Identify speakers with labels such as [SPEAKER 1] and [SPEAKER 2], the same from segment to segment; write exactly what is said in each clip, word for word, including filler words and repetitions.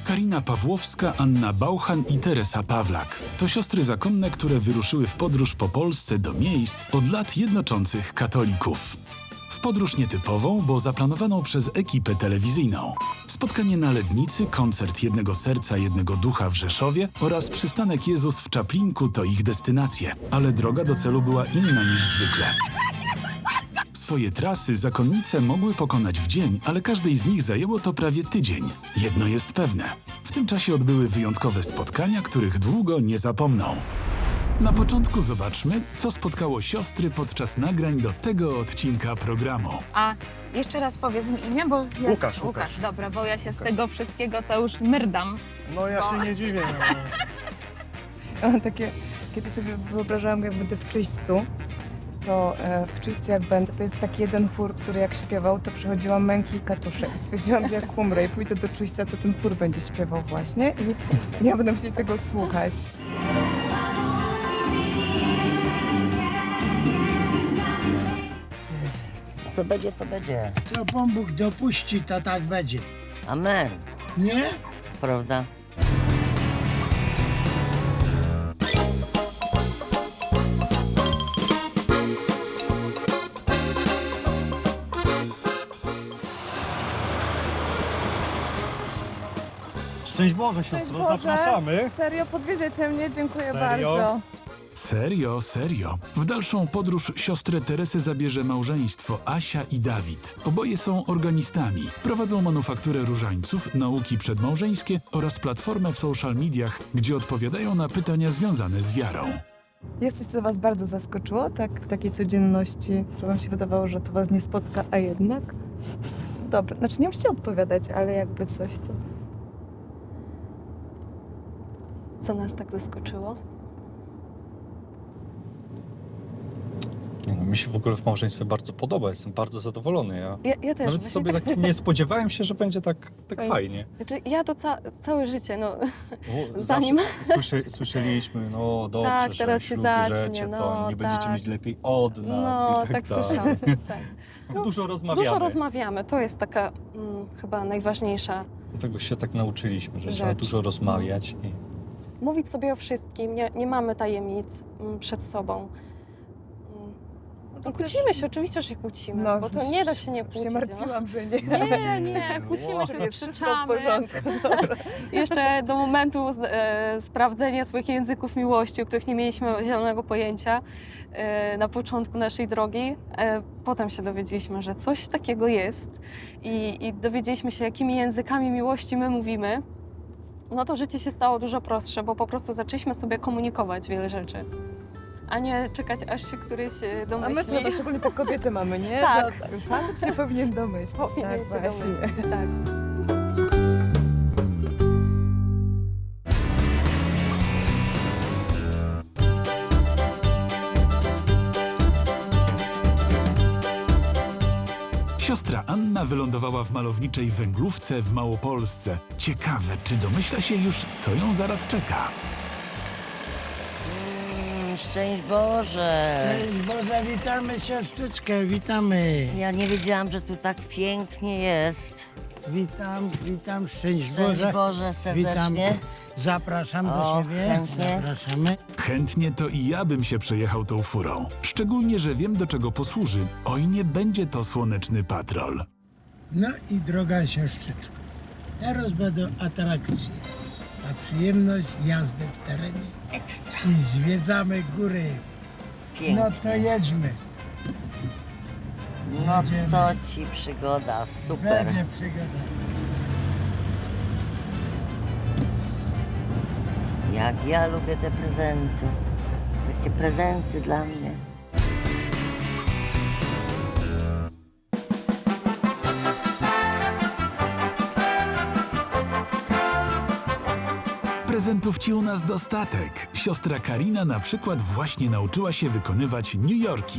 [SPEAKER 1] Karina Pawłowska, Anna Bauchan i Teresa Pawlak. To siostry zakonne, które wyruszyły w podróż po Polsce do miejsc od lat jednoczących katolików. W podróż nietypową, bo zaplanowaną przez ekipę telewizyjną. Spotkanie na Lednicy, koncert Jednego Serca, Jednego Ducha w Rzeszowie oraz przystanek Jezus w Czaplinku to ich destynacje. Ale droga do celu była inna niż zwykle. Swoje trasy zakonnice mogły pokonać w dzień, ale każdej z nich zajęło to prawie tydzień. Jedno jest pewne. W tym czasie odbyły wyjątkowe spotkania, których długo nie zapomną. Na początku zobaczmy, co spotkało siostry podczas nagrań do tego odcinka programu.
[SPEAKER 2] A jeszcze raz powiedz mi imię, bo jest...
[SPEAKER 3] Łukasz, Łukasz.
[SPEAKER 2] Dobra, bo ja się
[SPEAKER 3] Łukasz.
[SPEAKER 2] z tego wszystkiego to już myrdam.
[SPEAKER 3] No ja
[SPEAKER 2] Bo-
[SPEAKER 3] się nie dziwię. No.
[SPEAKER 4] Mam takie, kiedy sobie wyobrażałam, jak będę w Czyśćcu, to e, w Czyśćcu jak będę, to jest taki jeden chór, który jak śpiewał, to przechodziłam męki i katusze i stwierdziłam, że jak umrę i pójdę do Czyśćca, to ten chór będzie śpiewał właśnie i ja będę musieć tego słuchać.
[SPEAKER 5] Co będzie, to będzie.
[SPEAKER 6] Co Pan Bóg dopuści, to tak będzie.
[SPEAKER 5] Amen.
[SPEAKER 6] Nie?
[SPEAKER 5] Prawda?
[SPEAKER 3] Szczęść Boże,
[SPEAKER 4] Cześć
[SPEAKER 3] siostro,
[SPEAKER 4] Boże.
[SPEAKER 3] zapraszamy.
[SPEAKER 4] Serio, podwieziecie mnie? Dziękuję
[SPEAKER 3] Serio?
[SPEAKER 4] bardzo.
[SPEAKER 1] Serio, serio. W dalszą podróż siostrę Teresę zabierze małżeństwo Asia i Dawid. Oboje są organistami. Prowadzą manufakturę różańców, nauki przedmałżeńskie oraz platformę w social mediach, gdzie odpowiadają na pytania związane z wiarą.
[SPEAKER 4] Jest coś, co was bardzo zaskoczyło, tak w takiej codzienności, że wam się wydawało, że to was nie spotka, a jednak? Dobra, znaczy nie musicie odpowiadać, ale jakby coś to...
[SPEAKER 2] Co nas tak zaskoczyło?
[SPEAKER 7] Nie no, mi się w ogóle w małżeństwie bardzo podoba, jestem bardzo zadowolony. Ja
[SPEAKER 2] Ja, ja też.
[SPEAKER 7] nawet
[SPEAKER 2] właśnie
[SPEAKER 7] sobie tak nie spodziewałem się, że będzie tak, tak
[SPEAKER 4] Fajnie.
[SPEAKER 7] fajnie.
[SPEAKER 2] Znaczy, ja to ca całe życie, no...
[SPEAKER 7] Bo
[SPEAKER 2] Zanim-
[SPEAKER 7] zawsze Słyszy, słyszeliśmy, no dobrze,
[SPEAKER 2] Tak,
[SPEAKER 7] że
[SPEAKER 2] teraz się
[SPEAKER 7] ślub
[SPEAKER 2] zacznie,
[SPEAKER 7] bierzecie,
[SPEAKER 2] no,
[SPEAKER 7] to nie będziecie
[SPEAKER 2] tak.
[SPEAKER 7] mieć lepiej od nas
[SPEAKER 2] No,
[SPEAKER 7] i
[SPEAKER 2] tak
[SPEAKER 7] tak, dalej.
[SPEAKER 2] słyszałam. Tak. No,
[SPEAKER 7] Dużo rozmawiamy.
[SPEAKER 2] Dużo rozmawiamy, to jest taka mm, chyba najważniejsza.
[SPEAKER 7] Tego się tak nauczyliśmy, że trzeba
[SPEAKER 2] Rzecz.
[SPEAKER 7] dużo rozmawiać. I...
[SPEAKER 2] Mówić sobie o wszystkim, nie, nie mamy tajemnic mm, przed sobą. Mm. No, kłócimy się, oczywiście, że się kłócimy, bo to nie da się nie
[SPEAKER 4] Już
[SPEAKER 2] kłócić.
[SPEAKER 4] się martwiłam, że nie.
[SPEAKER 2] No. Nie, nie, kłócimy się,
[SPEAKER 4] Jest wszystko w
[SPEAKER 2] sprzeczamy.
[SPEAKER 4] porządku.
[SPEAKER 2] Jeszcze do momentu e, sprawdzenia swoich języków miłości, o których nie mieliśmy zielonego pojęcia e, na początku naszej drogi. E, potem się dowiedzieliśmy, że coś takiego jest i, i dowiedzieliśmy się, jakimi językami miłości my mówimy. No to życie się stało dużo prostsze, bo po prostu zaczęliśmy sobie komunikować wiele rzeczy, a nie czekać, aż się któryś e,
[SPEAKER 4] A my
[SPEAKER 2] domyśli.
[SPEAKER 4] to szczególnie te kobiety mamy, nie?
[SPEAKER 2] Tak.
[SPEAKER 4] Że Facet się powinien domyślić.
[SPEAKER 2] Powinien
[SPEAKER 4] tak,
[SPEAKER 2] się
[SPEAKER 4] właśnie.
[SPEAKER 2] domyślić, tak.
[SPEAKER 1] Siostra Anna wylądowała w malowniczej Węglówce w Małopolsce. Ciekawe, czy domyśla się już, co ją zaraz czeka.
[SPEAKER 5] Mm, szczęść Boże.
[SPEAKER 6] Cześć Boże, witamy siostrzyczkę, witamy.
[SPEAKER 5] Ja nie wiedziałam, że tu tak pięknie jest.
[SPEAKER 6] Witam, witam, szczęść
[SPEAKER 5] Szczęść
[SPEAKER 6] Boże.
[SPEAKER 5] Boże serdecznie.
[SPEAKER 6] Witam, zapraszam do
[SPEAKER 5] O,
[SPEAKER 6] siebie.
[SPEAKER 5] chętnie.
[SPEAKER 6] Zapraszamy.
[SPEAKER 1] Chętnie to i ja bym się przejechał tą furą. Szczególnie, że wiem, do czego posłuży. Oj, nie będzie to słoneczny patrol.
[SPEAKER 6] No i droga siostrzyczko, teraz będą atrakcje. Na przyjemność jazdy w terenie.
[SPEAKER 5] Ekstra.
[SPEAKER 6] I zwiedzamy góry.
[SPEAKER 5] Pięknie.
[SPEAKER 6] No to jedźmy.
[SPEAKER 5] No
[SPEAKER 6] jedziemy.
[SPEAKER 5] to ci przygoda, super.
[SPEAKER 6] Będzie przygoda.
[SPEAKER 5] Jak ja lubię te prezenty. Takie prezenty dla mnie.
[SPEAKER 1] Prezentów ci u nas dostatek. Siostra Karina na przykład właśnie nauczyła się wykonywać New Yorki.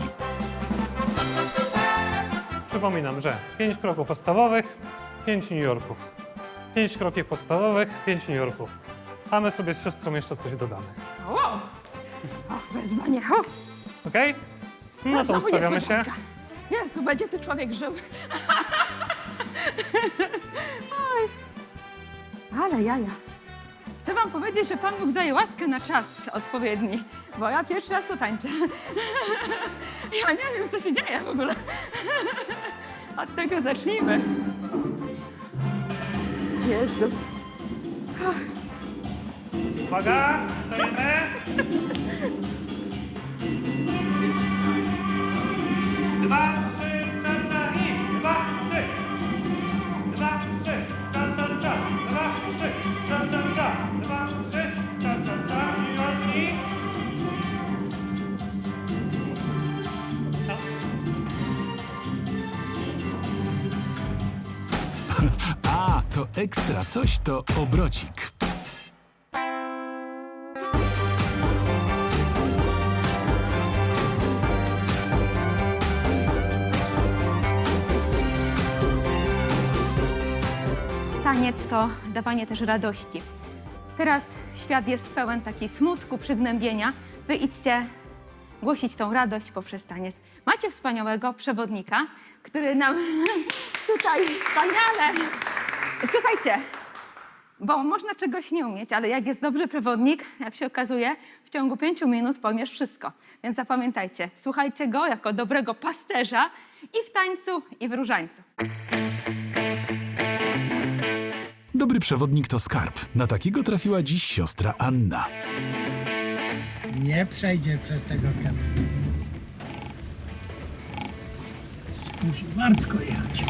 [SPEAKER 8] Przypominam, że pięć kroków podstawowych, pięć New Yorków. Pięć kroków podstawowych, pięć New Yorków. A my sobie z siostrą jeszcze coś dodamy.
[SPEAKER 9] O! Och, wezwanie, ho!
[SPEAKER 8] Okej? No to
[SPEAKER 9] Znowu
[SPEAKER 8] ustawiamy się.
[SPEAKER 9] niespodzianka. Jezu, będzie tu człowiek żył. Ale jaja. Chcę wam powiedzieć, że Pan Bóg daje łaskę na czas odpowiedni, bo ja pierwszy raz to tańczę. Ja nie wiem, co się dzieje w ogóle. Od tego zacznijmy. Jezu.
[SPEAKER 8] Uwaga, stajemy. Dwa, trzy, cza, cza i dwa, trzy. Dwa, trzy, cza, cza, cza. Dwa, trzy, cza, cza, cza. Dwa, trzy, cza, cza, cza. I ładni.
[SPEAKER 1] A, to ekstra coś, to obrocik.
[SPEAKER 9] Taniec to dawanie też radości. Teraz świat jest pełen takiej smutku, przygnębienia. Wy idźcie głosić tą radość poprzez taniec. Macie wspaniałego przewodnika, który nam tutaj wspaniale... Słuchajcie, bo można czegoś nie umieć, ale jak jest dobry przewodnik, jak się okazuje, w ciągu pięciu minut pojmiesz wszystko. Więc zapamiętajcie, słuchajcie go jako dobrego pasterza i w tańcu, i w różańcu.
[SPEAKER 1] Dobry przewodnik to skarb. Na takiego trafiła dziś siostra Anna.
[SPEAKER 6] Nie przejdzie przez tego kamienia. Musi wartko jechać.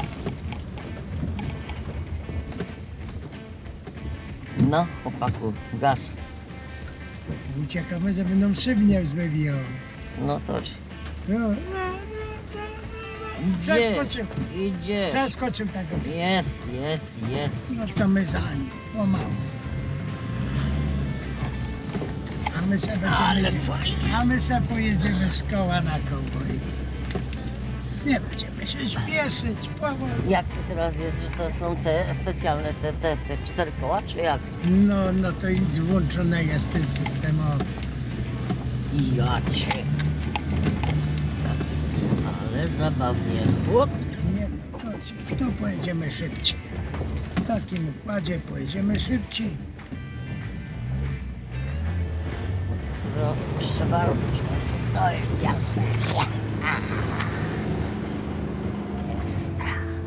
[SPEAKER 5] No, chłopaku, gaz.
[SPEAKER 6] Uciekamy, żeby nam szyb nie wzbijał.
[SPEAKER 5] No to
[SPEAKER 6] No, no, no, no, no, no. Przeskoczył.
[SPEAKER 5] Idzie.
[SPEAKER 6] Przeskoczył tego.
[SPEAKER 5] Jest, jest, jest.
[SPEAKER 6] No to my za nim, pomału. A my sobie
[SPEAKER 5] Ale
[SPEAKER 6] będziemy,
[SPEAKER 5] fajnie.
[SPEAKER 6] a my sobie pojedziemy z koła na kołboj. Nie będziemy się śpieszyć, powoli.
[SPEAKER 5] Jak to teraz jest, że to są te specjalne, te, te, te cztery koła, czy jak?
[SPEAKER 6] No, no to i włączone jest ten system. O,
[SPEAKER 5] I ja cię. Ale zabawnie. Łop.
[SPEAKER 6] nie no, to, tu pojedziemy szybciej. W takim układzie pojedziemy szybciej.
[SPEAKER 5] Proszę bardzo, to jest jasne. Ekstra.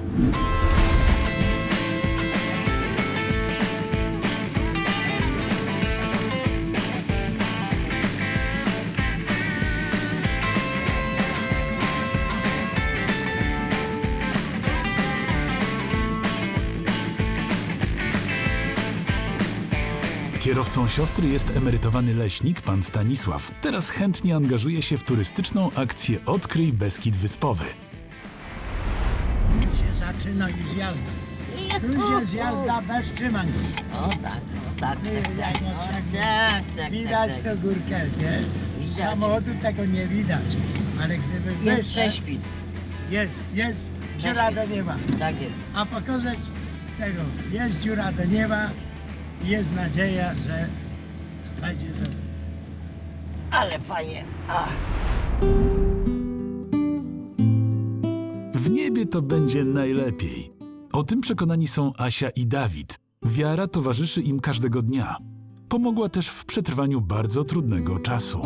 [SPEAKER 1] Kierowcą siostry jest emerytowany leśnik, pan Stanisław. Teraz chętnie angażuje się w turystyczną akcję Odkryj Beskid Wyspowy.
[SPEAKER 6] Się zaczyna już jazda. Już jest jazda bez trzymanki.
[SPEAKER 5] O tak, o tak,
[SPEAKER 6] Ty,
[SPEAKER 5] tak,
[SPEAKER 6] jak-
[SPEAKER 5] tak,
[SPEAKER 6] jak-
[SPEAKER 5] o, tak, tak,
[SPEAKER 6] Widać
[SPEAKER 5] tak,
[SPEAKER 6] tę
[SPEAKER 5] tak.
[SPEAKER 6] górkę, nie? Z
[SPEAKER 5] Widać.
[SPEAKER 6] samochodu tego nie widać. Ale gdyby
[SPEAKER 5] Jest
[SPEAKER 6] wyszedł-
[SPEAKER 5] prześwit.
[SPEAKER 6] Jest, jest dziura do nieba.
[SPEAKER 5] Tak jest.
[SPEAKER 6] A pokazać tego, jest dziura do nieba i jest nadzieja, że będzie to.
[SPEAKER 5] Ale fajnie. Ach.
[SPEAKER 1] W niebie to będzie najlepiej. O tym przekonani są Asia i Dawid. Wiara towarzyszy im każdego dnia. Pomogła też w przetrwaniu bardzo trudnego czasu.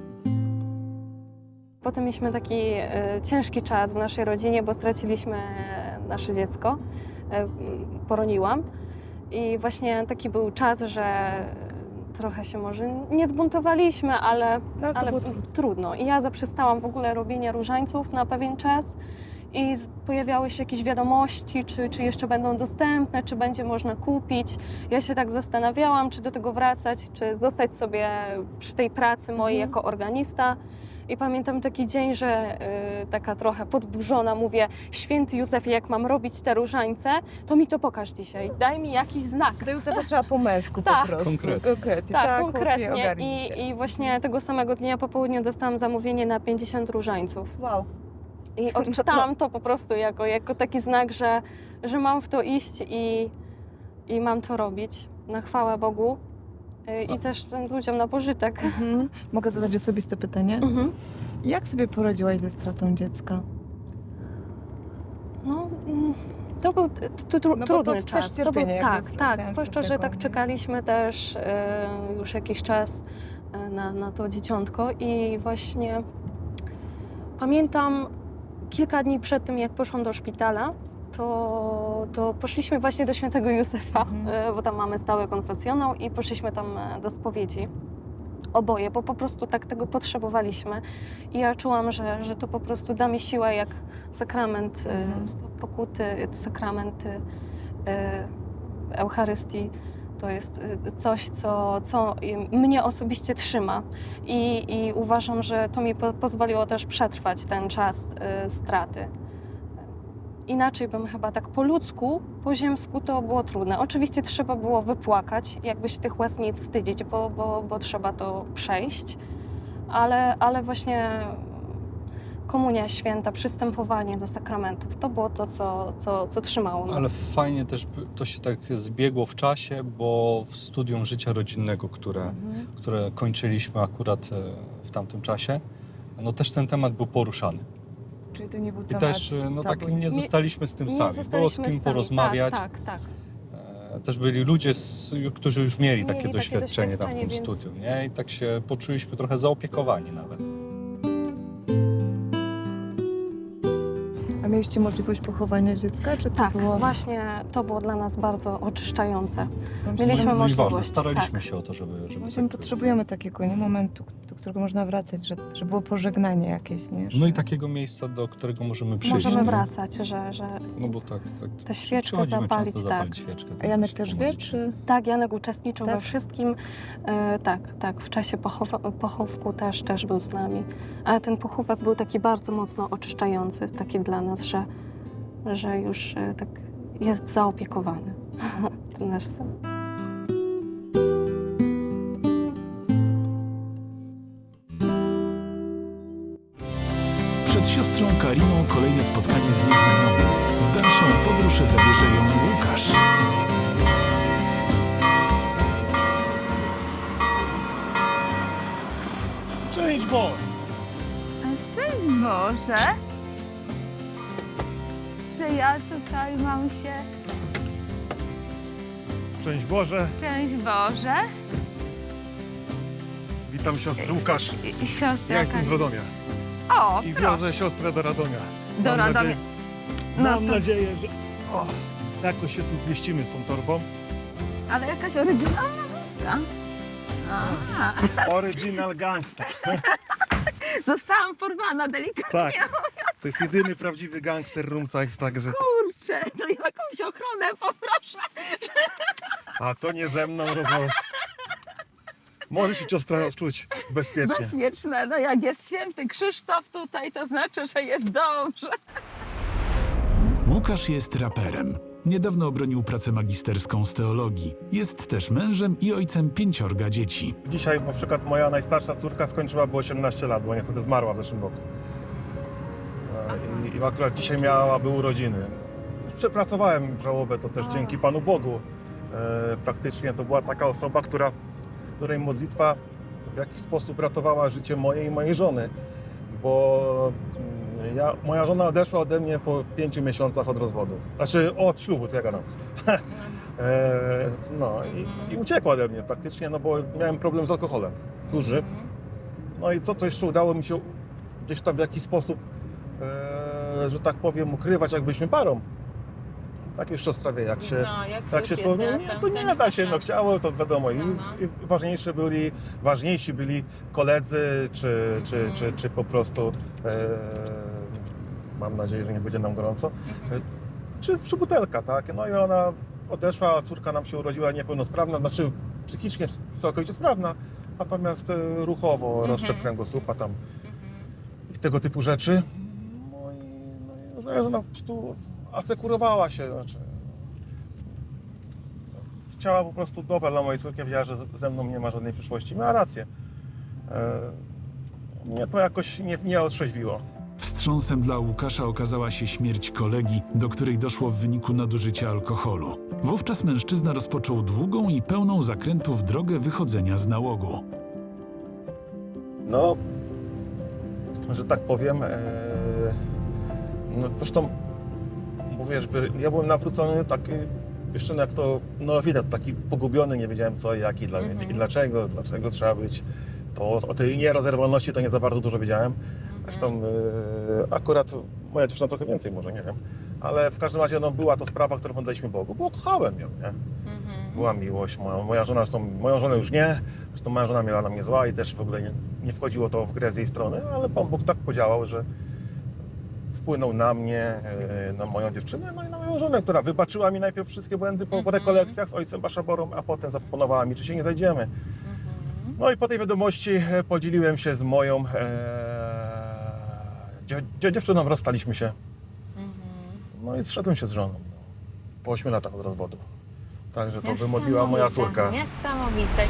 [SPEAKER 2] Potem mieliśmy taki e, ciężki czas w naszej rodzinie, bo straciliśmy nasze dziecko. E, poroniłam. I właśnie taki był czas, że trochę się może nie zbuntowaliśmy, ale,
[SPEAKER 4] No, ale to
[SPEAKER 2] ale
[SPEAKER 4] było trudne.
[SPEAKER 2] trudno. I ja zaprzestałam w ogóle robienia różańców na pewien czas. I z- pojawiały się jakieś wiadomości, czy, czy jeszcze będą dostępne, czy będzie można kupić. Ja się tak zastanawiałam, czy do tego wracać, czy zostać sobie przy tej pracy mojej
[SPEAKER 4] Mhm.
[SPEAKER 2] jako organista. I pamiętam taki dzień, że y, taka trochę podburzona mówię: święty Józefie, jak mam robić te różańce, to mi to pokaż dzisiaj. Daj mi jakiś znak.
[SPEAKER 4] Do Józefa trzeba po męsku
[SPEAKER 2] Tak.
[SPEAKER 4] po prostu.
[SPEAKER 7] Konkretnie.
[SPEAKER 4] Konkretnie.
[SPEAKER 2] Tak,
[SPEAKER 4] chłopie,
[SPEAKER 2] konkretnie.
[SPEAKER 4] ogarnij się.
[SPEAKER 2] I, I właśnie tego samego dnia po południu dostałam zamówienie na pięćdziesiąt różańców.
[SPEAKER 4] Wow.
[SPEAKER 2] I odczytałam to po prostu jako, jako taki znak, że, że mam w to iść i, i mam to robić na chwałę Bogu y, i też tym ludziom na pożytek.
[SPEAKER 4] Mhm. Mogę zadać osobiste pytanie?
[SPEAKER 2] Mhm.
[SPEAKER 4] Jak sobie poradziłaś ze stratą dziecka?
[SPEAKER 2] No, mm, To był t- t- tru,
[SPEAKER 4] No bo to
[SPEAKER 2] trudny
[SPEAKER 4] też
[SPEAKER 2] czas. To był,
[SPEAKER 4] cierpienie jakby
[SPEAKER 2] tak, tak.
[SPEAKER 4] wracając do
[SPEAKER 2] Zwłaszcza, że
[SPEAKER 4] tego,
[SPEAKER 2] tak
[SPEAKER 4] nie?
[SPEAKER 2] czekaliśmy też e, już jakiś czas e, na, na to dzieciątko i właśnie pamiętam kilka dni przed tym, jak poszłam do szpitala, to, to poszliśmy właśnie do świętego Józefa,
[SPEAKER 4] Mhm.
[SPEAKER 2] e, bo tam mamy stały konfesjonał i poszliśmy tam e, do spowiedzi. Oboje, bo po prostu tak tego potrzebowaliśmy. I ja czułam, że, że to po prostu da mi siłę jak sakrament e,
[SPEAKER 4] Mhm.
[SPEAKER 2] pokuty, sakrament e, Eucharystii. To jest e, coś, co, co mnie osobiście trzyma. I, i uważam, że to mi po, pozwoliło też przetrwać ten czas e, straty. Inaczej bym chyba tak po ludzku, po ziemsku to było trudne. Oczywiście trzeba było wypłakać, jakby się tych łez nie wstydzić, bo, bo, bo trzeba to przejść, ale, ale właśnie komunia święta, przystępowanie do sakramentów, to było to, co, co, co trzymało nas.
[SPEAKER 7] Ale fajnie też by- to się tak zbiegło w czasie, bo w studium życia rodzinnego, które,
[SPEAKER 4] Mhm.
[SPEAKER 7] które kończyliśmy akurat e, w tamtym czasie, no też ten temat był poruszany.
[SPEAKER 4] Czyli to nie był
[SPEAKER 7] I
[SPEAKER 4] temat
[SPEAKER 7] też e, no tak
[SPEAKER 4] tabu.
[SPEAKER 7] nie zostaliśmy z tym
[SPEAKER 2] Nie
[SPEAKER 7] sami. Było z
[SPEAKER 2] zostaliśmy
[SPEAKER 7] kim
[SPEAKER 2] sami.
[SPEAKER 7] porozmawiać.
[SPEAKER 2] Tak, tak, tak.
[SPEAKER 7] E, Też byli ludzie, z, którzy już mieli,
[SPEAKER 2] Mieli
[SPEAKER 7] takie
[SPEAKER 2] takie
[SPEAKER 7] doświadczenie tam w tym
[SPEAKER 2] doświadczenie, więc-
[SPEAKER 7] studium. Nie? I tak się poczuliśmy trochę zaopiekowani nawet.
[SPEAKER 4] A mieliście możliwość pochowania dziecka, czy to
[SPEAKER 2] Tak,
[SPEAKER 4] było...
[SPEAKER 2] właśnie to było dla nas bardzo oczyszczające.
[SPEAKER 4] Wam się-
[SPEAKER 2] Mieliśmy
[SPEAKER 7] No i ważne,
[SPEAKER 2] możliwość,
[SPEAKER 7] staraliśmy
[SPEAKER 2] tak.
[SPEAKER 7] się o to, żeby... żeby
[SPEAKER 4] Właśnie
[SPEAKER 7] tak-
[SPEAKER 4] potrzebujemy takiego nie, momentu, do którego można wracać, że, że było pożegnanie jakieś, nie? Że...
[SPEAKER 7] No i takiego miejsca, do którego możemy przyjść.
[SPEAKER 2] Możemy
[SPEAKER 7] nie?
[SPEAKER 2] wracać, że, że
[SPEAKER 7] No bo tak, tak.
[SPEAKER 2] Tę świeczkę
[SPEAKER 7] przychodzimy
[SPEAKER 2] zapalić,
[SPEAKER 7] często
[SPEAKER 2] tak.
[SPEAKER 7] zapalić świeczkę.
[SPEAKER 4] A Janek
[SPEAKER 7] się
[SPEAKER 4] też wie,
[SPEAKER 7] pomodlić.
[SPEAKER 4] czy...
[SPEAKER 2] tak, Janek uczestniczył
[SPEAKER 4] Tak?
[SPEAKER 2] we wszystkim. E, tak, tak, w czasie pochowa- pochówku też, też był z nami. Ale ten pochówek był taki bardzo mocno oczyszczający, taki dla nas, że, że już e, tak jest zaopiekowany ten nasz syn.
[SPEAKER 1] Przed siostrą Kariną kolejne spotkanie z nieznajomym. W dalszą podróż zabierze ją Łukasz.
[SPEAKER 8] Szczęść Boże!
[SPEAKER 9] Szczęść Boże, że ja tutaj mam się...
[SPEAKER 8] Szczęść Boże!
[SPEAKER 9] Szczęść Boże.
[SPEAKER 8] Witam siostrę Łukasz.
[SPEAKER 9] I, i siostra
[SPEAKER 8] Ja jestem z Radomia
[SPEAKER 9] O,
[SPEAKER 8] i
[SPEAKER 9] proszę.
[SPEAKER 8] wiozę siostrę do Radomia.
[SPEAKER 9] Do
[SPEAKER 8] Mam
[SPEAKER 9] Radomia.
[SPEAKER 8] Nadzieję,
[SPEAKER 9] No
[SPEAKER 8] mam
[SPEAKER 9] to-
[SPEAKER 8] nadzieję, że o, jakoś się tu zmieścimy z tą torbą.
[SPEAKER 9] Ale jakaś oryginalna usta. A,
[SPEAKER 8] Original gangster.
[SPEAKER 9] zostałam porwana delikatnie.
[SPEAKER 8] Tak. To jest jedyny prawdziwy gangster Rumcajs, także...
[SPEAKER 9] Kurczę, to jakąś ochronę poproszę.
[SPEAKER 8] A to nie ze mną rozmowa. Możesz się siostra czuć bezpiecznie.
[SPEAKER 9] Bezpieczne, no jak jest święty Krzysztof tutaj, to znaczy, że jest dobrze.
[SPEAKER 1] Łukasz jest raperem. Niedawno obronił pracę magisterską z teologii. Jest też mężem i ojcem pięciorga dzieci.
[SPEAKER 8] Dzisiaj na przykład moja najstarsza córka skończyłaby osiemnaście lat, bo niestety zmarła w zeszłym roku. E, I, i akurat dzisiaj miałaby urodziny. Już przepracowałem żałobę, to też dzięki Panu Bogu. E, Praktycznie to była taka osoba, która, której modlitwa w jakiś sposób ratowała życie mojej i mojej żony. Bo mm, ja, moja żona odeszła ode mnie po pięciu miesiącach od rozwodu. Znaczy od ślubu, co ja gadam. E, no i, i uciekła ode mnie praktycznie, no bo miałem problem z alkoholem, duży. No i co to jeszcze udało mi się gdzieś tam w jakiś sposób, e, że tak powiem, ukrywać, jak byliśmy parą. Tak już siostra wie, jak się,
[SPEAKER 9] No, jak
[SPEAKER 8] jak się słowo, nie, to nie da się, no chciało, to wiadomo. I, i ważniejsze byli, ważniejsi byli koledzy, czy, czy, czy, czy po prostu, e, mam nadzieję, że nie będzie nam gorąco, e, czy, czy butelka, tak? No i ona odeszła, a córka nam się urodziła niepełnosprawna, znaczy psychicznie całkowicie sprawna, natomiast e, ruchowo rozszczep kręgosłupa tam i tego typu rzeczy. No i, no i że ona po prostu asekurowała się, znaczy chciała po prostu dobra dla mojej córki, wiedziała, że ze mną nie ma żadnej przyszłości. Miała rację. E, mnie to jakoś nie, nie otrzeźwiło.
[SPEAKER 1] Wstrząsem dla Łukasza okazała się śmierć kolegi, do której doszło w wyniku nadużycia alkoholu. Wówczas mężczyzna rozpoczął długą i pełną zakrętów drogę wychodzenia z nałogu.
[SPEAKER 8] No, że tak powiem, e, no zresztą
[SPEAKER 10] bo wiesz, wy- ja byłem nawrócony taki, jeszcze jak to neofita, taki pogubiony, nie wiedziałem co i jak i, dla, i dlaczego, dlaczego trzeba być. To o, o tej nierozerwalności to nie za bardzo dużo wiedziałem. Zresztą e, akurat moja dziewczyna trochę więcej może, nie wiem. Ale w każdym razie no, była to sprawa, którą oddaliśmy Bogu, bo kochałem ją, nie? Była miłość, moja, moja żona, zresztą moją żonę już nie, zresztą moja żona miała na mnie zła i też w ogóle nie, nie wchodziło to w grę z jej strony, ale Pan Bóg tak podziałał, że wpłynął na mnie, e, na moją dziewczynę, no i na moją żonę, która wybaczyła mi najpierw wszystkie błędy po, po rekolekcjach z ojcem Baszaborą, a potem zaproponowała mi, czy się nie zajdziemy. No i po tej wiadomości e, podzieliłem się z moją e, dzie, dzie, dziewczyną, rozstaliśmy się. No i zszedłem się z żoną po ośmiu latach od rozwodu. Także to wymodliła moja córka.
[SPEAKER 9] Niesamowite.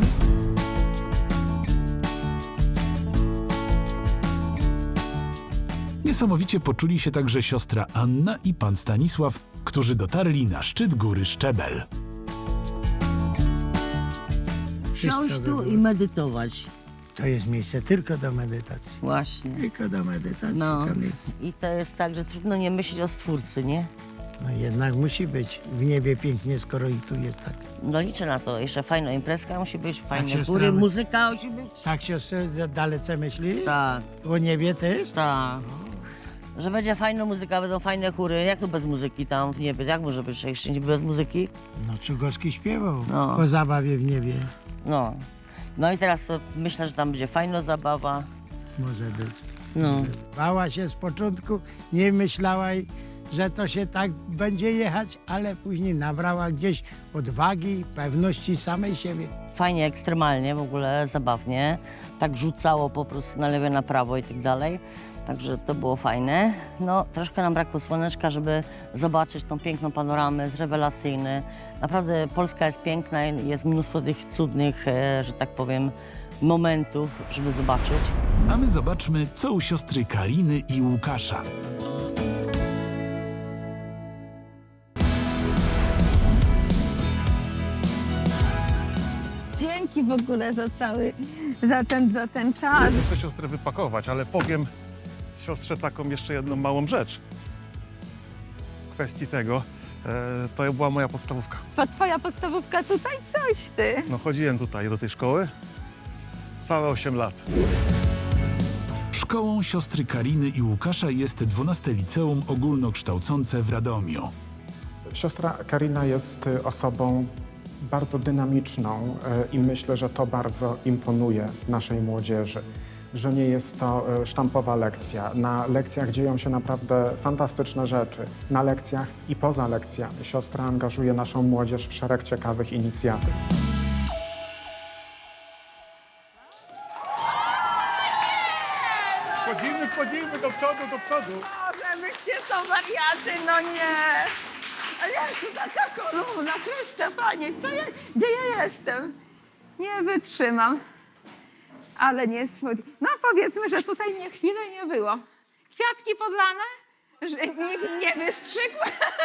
[SPEAKER 1] Niesamowicie poczuli się także siostra Anna i pan Stanisław, którzy dotarli na szczyt góry Szczebel.
[SPEAKER 6] Wszystko
[SPEAKER 5] Siąść tu
[SPEAKER 6] było.
[SPEAKER 5] i medytować.
[SPEAKER 6] To jest miejsce tylko do medytacji.
[SPEAKER 5] Właśnie.
[SPEAKER 6] Tylko do medytacji
[SPEAKER 5] No.
[SPEAKER 6] to miejsce.
[SPEAKER 5] I to jest tak, że trudno nie myśleć o Stwórcy, nie?
[SPEAKER 6] No jednak musi być w niebie pięknie, skoro i tu jest tak.
[SPEAKER 5] No liczę na to. Jeszcze fajna imprezka musi być, fajne
[SPEAKER 6] siostra,
[SPEAKER 5] góry,
[SPEAKER 6] my-
[SPEAKER 5] muzyka musi być.
[SPEAKER 6] Tak siostro dalece myśli?
[SPEAKER 5] Tak,
[SPEAKER 6] O niebie też?
[SPEAKER 5] tak. Że będzie fajna muzyka, będą fajne chóry. Jak to bez muzyki tam w niebie? Jak może być jeszcze niby bez muzyki?
[SPEAKER 6] No Czugowski śpiewał
[SPEAKER 5] No.
[SPEAKER 6] o zabawie w niebie.
[SPEAKER 5] No. No i teraz to myślę, że tam będzie fajna zabawa.
[SPEAKER 6] Może być.
[SPEAKER 5] No.
[SPEAKER 6] Bała się z początku, nie myślała, że to się tak będzie jechać, ale później nabrała gdzieś odwagi, pewności samej siebie.
[SPEAKER 5] Fajnie, ekstremalnie w ogóle, zabawnie. Tak rzucało po prostu na lewo, na prawo i tak dalej. Także to było fajne. No, troszkę nam brakło słoneczka, żeby zobaczyć tą piękną panoramę, jest rewelacyjny. Naprawdę Polska jest piękna i jest mnóstwo tych cudnych, e, że tak powiem, momentów, żeby zobaczyć.
[SPEAKER 1] A my zobaczmy, co u siostry Kariny i Łukasza.
[SPEAKER 9] Dzięki w ogóle za cały, za ten, za ten czas.
[SPEAKER 10] Muszę siostrę wypakować, ale powiem siostrze taką jeszcze jedną małą rzecz. W kwestii tego, e, to była moja podstawówka.
[SPEAKER 9] To twoja podstawówka tutaj? Coś ty.
[SPEAKER 10] No chodziłem tutaj do tej szkoły całe osiem lat.
[SPEAKER 1] Szkołą siostry Kariny i Łukasza jest dwunaste Liceum Ogólnokształcące w Radomiu.
[SPEAKER 11] Siostra Karina jest y, osobą bardzo dynamiczną y, i myślę, że to bardzo imponuje naszej młodzieży, że nie jest to y, sztampowa lekcja. Na lekcjach dzieją się naprawdę fantastyczne rzeczy. Na lekcjach i poza lekcjami siostra angażuje naszą młodzież w szereg ciekawych inicjatyw.
[SPEAKER 8] Wchodzimy, wchodzimy do przodu, do przodu.
[SPEAKER 9] Boże, wyście są wariaty, no nie. Ale ja tu taka kolumna, Chryste Panie, co ja, gdzie ja jestem? Nie wytrzymam. Ale nie spod... No powiedzmy, że tutaj mnie chwilę nie było. Kwiatki podlane, że nikt nie wystrzygł.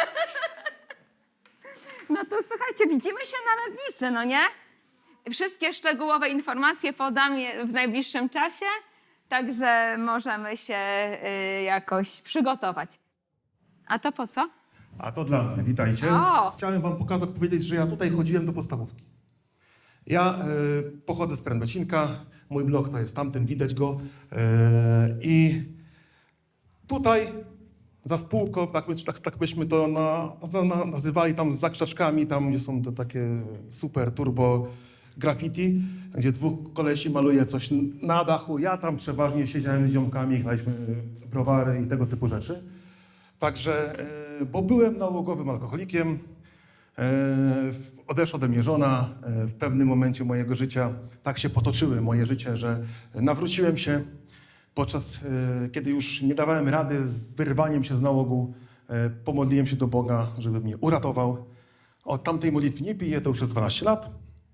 [SPEAKER 9] No to słuchajcie, widzimy się na letnicy, no nie? Wszystkie szczegółowe informacje podam je w najbliższym czasie, także możemy się y, jakoś przygotować. A to po co?
[SPEAKER 10] A to dla mnie, witajcie.
[SPEAKER 9] O!
[SPEAKER 10] Chciałem wam pokazać, powiedzieć, że ja tutaj chodziłem do podstawówki. Ja e, pochodzę z Prędocinka, mój blok to jest tamten, widać go. E, I tutaj za spółką, tak, by- tak, tak byśmy to na, na, nazywali tam za krzaczkami, tam gdzie są te takie super turbo graffiti, gdzie dwóch kolesi maluje coś na dachu. Ja tam przeważnie siedziałem z ziomkami, graliśmy browary i tego typu rzeczy. Także, e, bo byłem nałogowym alkoholikiem, e, odeszła ode mnie żona e, w pewnym momencie mojego życia. Tak się potoczyły moje życie, że nawróciłem się podczas, e, kiedy już nie dawałem rady z wyrwaniem się z nałogu, e, pomodliłem się do Boga, żeby mnie uratował. Od tamtej modlitwy nie piję, to już jest dwanaście lat.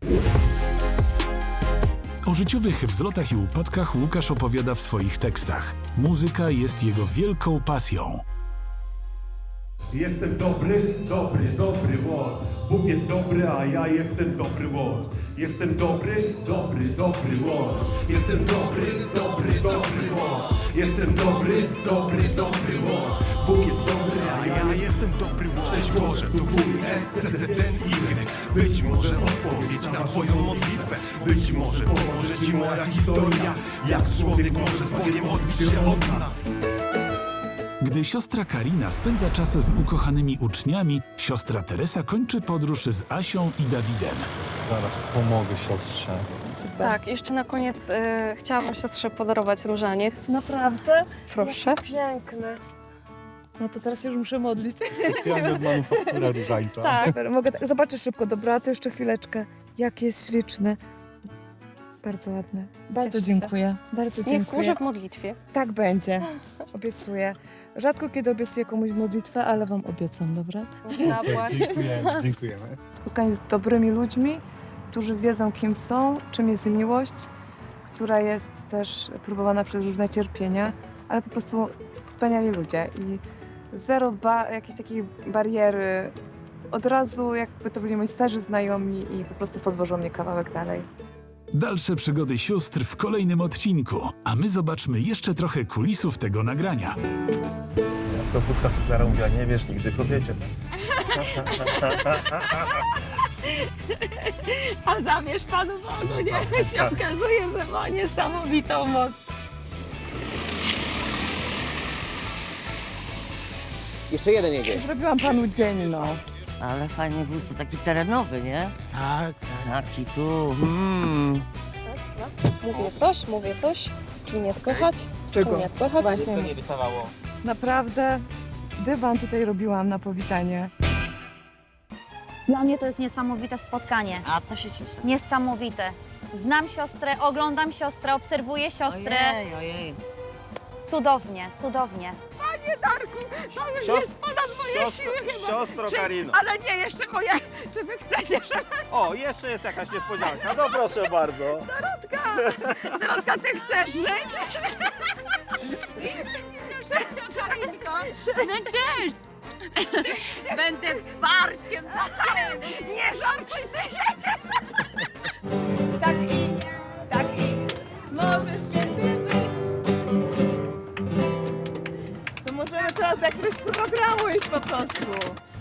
[SPEAKER 1] O życiowych wzlotach i upadkach Łukasz opowiada w swoich tekstach. Muzyka jest jego wielką pasją.
[SPEAKER 8] Jestem dobry, dobry, dobry łot. Bóg jest dobry, a ja jestem dobry łot. Jestem dobry, dobry, dobry łot. Jestem dobry, dobry, dobry łot. Jestem dobry, dobry, dobry łot. Bóg jest dobry, a ja jestem dobry łot. Cześć Boże, to W, E, C, Z, N, Y. Być może odpowiedź na twoją modlitwę. Być może pomoże ci moja historia. Jak człowiek może z Bogiem odbić się od dna.
[SPEAKER 1] Gdy siostra Karina spędza czas z ukochanymi uczniami, siostra Teresa kończy podróż z Asią i Dawidem.
[SPEAKER 7] Zaraz pomogę siostrze.
[SPEAKER 2] Tak, jeszcze na koniec y, chciałabym siostrze podarować różaniec.
[SPEAKER 4] Naprawdę?
[SPEAKER 2] Proszę.
[SPEAKER 4] Jakie piękne. No to teraz się już muszę modlić.
[SPEAKER 7] Specjalnie od manufaktura różańca.
[SPEAKER 2] Tak.
[SPEAKER 4] Super, mogę tak zobaczyć szybko. Dobra, to jeszcze chwileczkę. Jak jest śliczny. Bardzo ładny. Bardzo
[SPEAKER 2] Cieszę się.
[SPEAKER 4] dziękuję. Bardzo
[SPEAKER 2] Niech
[SPEAKER 4] dziękuję.
[SPEAKER 2] służy w modlitwie.
[SPEAKER 4] Tak będzie. Obiecuję. Rzadko kiedy obiecuję komuś modlitwę, ale wam obiecam, dobra?
[SPEAKER 2] Zapłać.
[SPEAKER 7] Dziękujemy. Dziękujemy.
[SPEAKER 4] Spotkanie z dobrymi ludźmi, którzy wiedzą, kim są, czym jest miłość, która jest też próbowana przez różne cierpienia, ale po prostu wspaniali ludzie i zero ba- jakiejś takiej bariery. Od razu jakby to byli moi starzy znajomi i po prostu podwożą mnie kawałek dalej.
[SPEAKER 1] Dalsze przygody sióstr w kolejnym odcinku, a my zobaczmy jeszcze trochę kulisów tego nagrania.
[SPEAKER 10] Jak to budka suflera mówiła, nie wiesz nigdy kobiecie.
[SPEAKER 2] A zamierz Panu Bogu, nie? Się okazuje, że ma niesamowitą moc.
[SPEAKER 12] Jeszcze jeden jedzie.
[SPEAKER 4] Zrobiłam panu dzień, no.
[SPEAKER 5] Ale fajnie wóz to taki terenowy, nie?
[SPEAKER 6] Tak, tak.
[SPEAKER 5] Taki tu, hmm.
[SPEAKER 2] Mówię coś, mówię coś. Czy nie słychać?
[SPEAKER 4] Czego?
[SPEAKER 2] Czy nie słychać?
[SPEAKER 4] Właśnie.
[SPEAKER 12] To nie wystawało.
[SPEAKER 4] Naprawdę dywan tutaj robiłam na powitanie.
[SPEAKER 13] Dla mnie to jest niesamowite spotkanie.
[SPEAKER 5] A to się cieszę.
[SPEAKER 13] Niesamowite. Znam siostrę, oglądam siostrę, obserwuję siostrę.
[SPEAKER 5] Ojej, ojej.
[SPEAKER 13] Cudownie, cudownie.
[SPEAKER 2] Panie Darku, to już
[SPEAKER 12] Siostro-
[SPEAKER 2] jest ponad moje
[SPEAKER 12] siostro-
[SPEAKER 2] siły chyba.
[SPEAKER 12] siostro
[SPEAKER 2] Czy-
[SPEAKER 12] Karino.
[SPEAKER 2] Ale nie, jeszcze moje, czy wy chcecie, żeby...
[SPEAKER 12] O, jeszcze jest jakaś niespodzianka. No proszę bardzo.
[SPEAKER 2] Dorotka, Dorotka, ty chcesz żyć? Wszystko, Karinko. No cześć. Będę wsparciem dla ciebie. Nie żartuj ty się. Tak i, tak i, może święty być.
[SPEAKER 4] To możemy teraz do jakiegoś programu iść po prostu.